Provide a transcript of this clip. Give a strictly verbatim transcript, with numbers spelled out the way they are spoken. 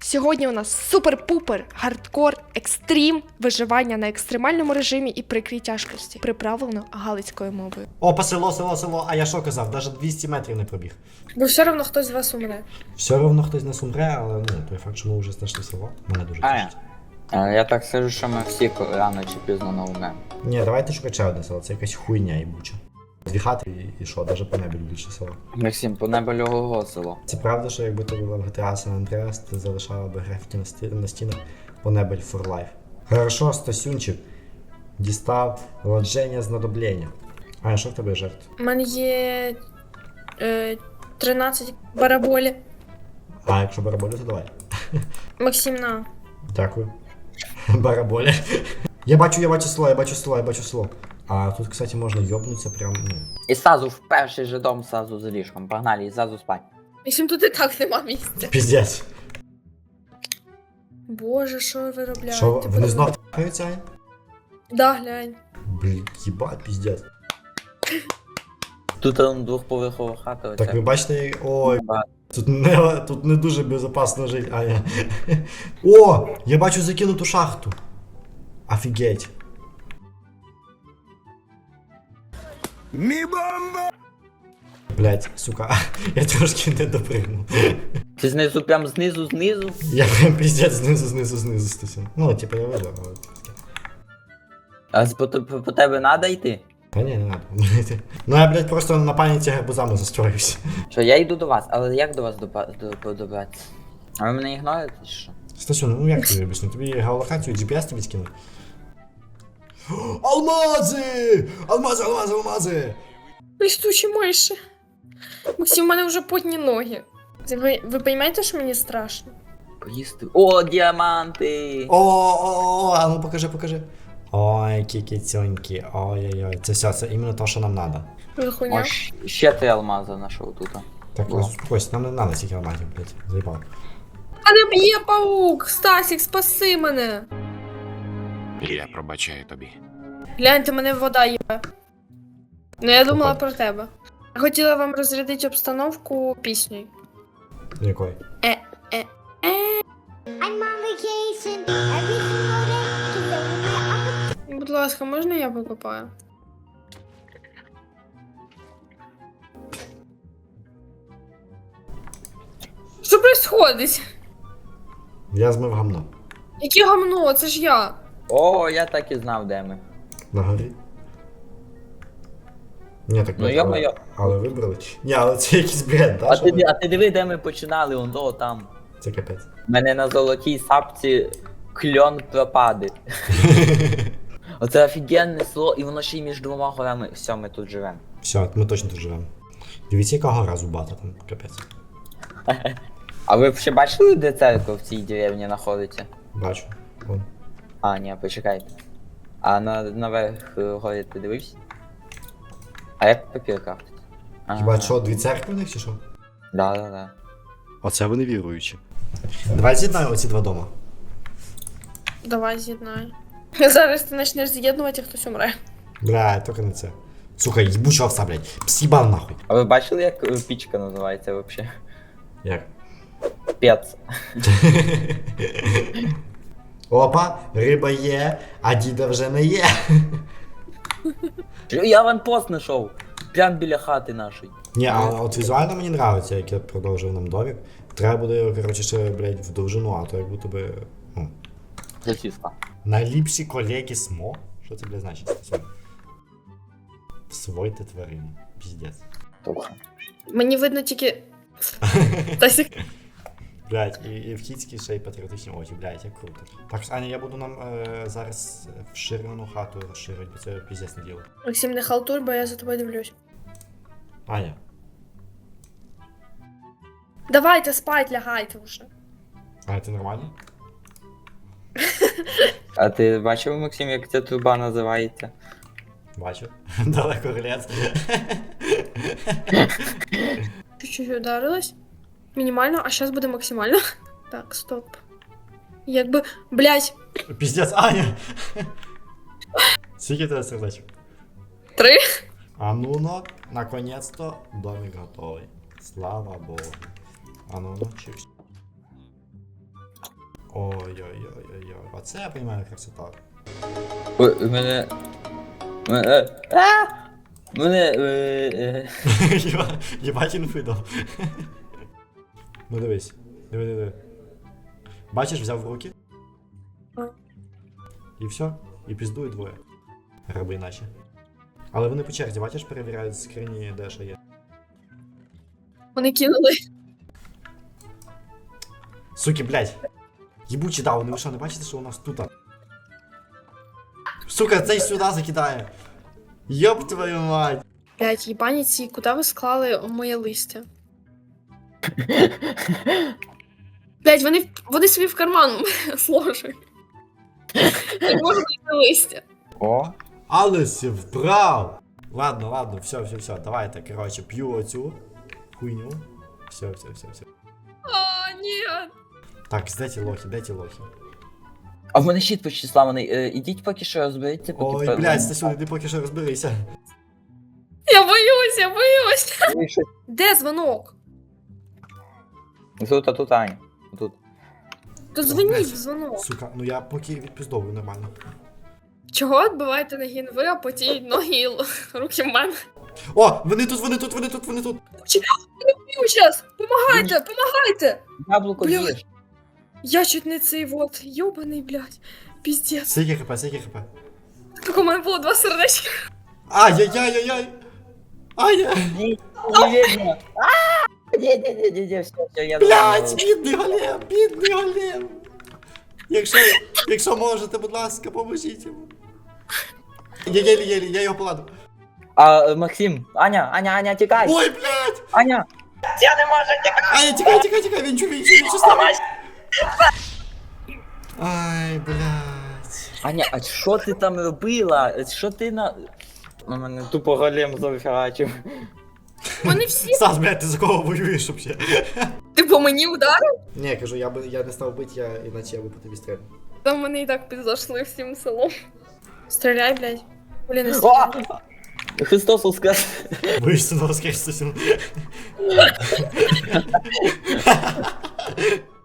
Сьогодні у нас супер-пупер, хардкор, екстрім, виживання на екстремальному режимі і прикрій тяжкості, приправлено галицькою мовою. Опа, село, село, село, а я що казав? Навіть двісті метрів не пробіг. Бо все одно хтось з вас умре. Все одно хтось не умре, але ну, той факт, що ми вже знайшли село, мене дуже А, тішить. а, я так скажу, що ми всі рано чи пізно не умремо. Ні, давайте шукати ще одне село, це якась хуйня їбуча. Дві хати і, і що, навіть по небі більше село. Максим, по небу льогового село. Це правда, що якби ти була в джі ті ей San Andreas, ти залишала би графіті на, сті... на стінах по небель for life. Хорошо, Стасюнчик дістав вложення знадоблення. А що в тебе жертв? У мене є е, тринадцять бараболі. А якщо бараболю, то давай. Максим, на. Дякую. Бараболя. Я бачу, я бачу село, я бачу село, я бачу село. А тут, кстати, можна йобнутися прям, ну. І сразу в перший же дом, сразу за ліжком. Погнали, і сразу спать. Максим, тут і так нема місця. Піздець. Боже, що ви робляєте? Що, вони знов трахаються? Да, глянь. Блін, їбать, піздець. Тут он двохповерхова хата. Так ви бачите, ой, тут не, тут не дуже безпечно жити, а я... О, я бачу закинуту шахту. Офігеть. Мі-бомба! Блять, сука, я трошки не допригнув. Ти знизу, прям знизу, знизу. Я прям піздець знизу, знизу, знизу стусив. Ну, типа я вижу, але... А з- по, по, по тебе надо йти? Та ні, не надо. Ну я, блядь, просто на пам'яті гарбузами застроївся. Що, я йду до вас, але як до вас допа- до- добратися? А ви мене ігноруєте чи що? Стасю, ну як тобі об'ясню? Тобі геолокацію джі пі ес тобі скинув? Алмази! Алмази, алмази, алмази! Листучі миші. Максим, у мене вже потні ноги. Ви, ви розумієте, що мені страшно? Поїсти. О, діаманти! О, о, о, а ну покажи, покажи. Ой, кікіцьонькі, ой-ой-ой, це все, це іменно те, що нам треба. Ви хуйня? О, щ- ще три алмази знайшов тут. Так, О. успокойся, нам не треба стільки алмазів, блядь, заїбав. Мене б'є паук! Стасік, спаси мене! Я пробачаю тобі. Гляньте, мене вода є. Ну я думала Опа. про тебе. Я хотіла вам розрядити обстановку піснею. Якої? I'm on vacation every single day. Cause every day I'm Будь ласка, можна я викопаю? Що происходить? Я змив гамно. Яке гамно? Це ж я. О, я так і знав, де ми. На горі. Ні, так, Ну, блядь, але, йо-моє. але вибрали. Ні, але це якийсь бред, да? А що ти, ви? а ти диви, де ми починали, он то там. Це капець. У мене на золотій сапці кльон пропаде. Оце офігенне село, і воно ще й між двома горами. Все, ми тут живемо. Все, ми точно тут живемо. Дивіться, яка гора зубата там, капець. А ви ще бачили, де церква в цій деревні знаходиться? Бачу. Вон. А, ні, почекайте. А на, наверх е, горі ти дивився? А як папір крафтить? Хіба що, дві церкви в них чи що? Да, да, да. Оце вони віруючі. Давай з'єднаємо оці два дома. Давай з'єднай. Зараз ти почнеш з'єднувати, і хтось умре. Бля, тільки не це. Сука, їбуча овса, блядь. Псібан нахуй. А ви бачили, як е, пічка називається взагалі? Як? Пец. Опа, риба є, а діда вже не є. Я аванпост знайшов. Прям біля хати нашої. Ні, а от візуально мені нравиться, як я продовжив нам домик. Треба буде, коротше, ще, блядь, в довжину, а то як будто би, ну, Сосиска. найліпші колеги СМО? Що це, блядь, значить? Свойте тварини. Піздець. Тобто. Мені видно тільки. Стасік. Блядь, і, і в Хіцькій ще й патріотичні очі, блядь, як круто. Так, Аня, я буду нам е, зараз вширену хату розширити, бо це піздець не діло. Максим, не халтур, бо я за тобою дивлюсь. Аня, Давайте спать, лягайте вже. а це нормально? А ти бачив, Максим, як ця труба називається? Бачу. Далеко глянц. Чуть-чуть ударилась. Мінімально, а зараз буде максимально. Так, стоп. Якби. Блять, Піздець, Аня! Скільки тебе сердечок? три. А ну но, наконец-то домик готовий. Слава Богу. А ну ну, чикс. Ой-ой-ой-ой-ой. Оце я розумію красота. Ой, у мене. Мене. А! Мене. е, е. Єба- Єбать інфи дав. Ну дивись. Диви, диви. Бачиш, взяв в руки. І все. І піздують двоє. Раби іначе. Але вони по черзі, бачиш, перевіряють скрині, де що є. Вони кинули. Суки, блядь. Єбучі дауни, ви що, не бачите, що у нас тут? Сука, цей сюди закидає. Йоп твою мать. Блять, їбані ці, куди ви склали моє листя? Блять, вони, в- вони собі в карман сложили. Не можу знайти листя. О. Але си вбрав. Ладно, ладно, все, все, все, давайте, короче, п'ю оцю хуйню. Все, все, все, все. А, ні. Так, де ті лохи, де ті лохи? А в мене щит почти зламаний. Е, ідіть поки що розберіться, поки. Ой, пе- блядь, Стасюн, іди поки що розберися. Я боюсь, я боюсь. Ви що? Де дзвонок? Тут, а тут Аня. Тут. То блядь. дзвоніть в дзвонок. Сука, ну я поки відпіздовую нормально. Чого відбиваєте ноги ви, а потім ноги і л- руки в мене? О, вони тут, вони тут, вони тут, вони тут. Б'ю щас! Помагайте, помагайте! Яблуко Блядь. їж. Я чуть не цей вот, йобаний, блядь. Піздець. Скільки хп, скільки хп. Так у мене було два сердечка. Ай-яй-яй-яй-яй. Ай-яй. Ні, не видно. А! Ні, ні, ні, ні, ні, все, все, я Блядь, знаю. бідний голем, бідний голем. Якщо, якщо можете, будь ласка, поможіть йому. Я єлі-єлі, я його поладу. А, е, Максим, Аня, Аня, Аня, тікай! Ой, блядь! Аня! Я не можу тікати! Ай, тікай, тікай, тікай, він чу, він чу, він чу, ставай. Ай, блядь. Аня, а що ти там робила? Що ти на... На мене тупо голем завфігачив. Вони всі. Стас, блядь, ти за кого воюєш вообще? Ти по мені ударив? Ні, кажу, я би я не став бити, я іначе я би по тобі стріляв. Там вони і так підзайшли всім селом. Стріляй, блядь. Блін, не О! стріляй. Христос воскрес! Вийшли на воскресну.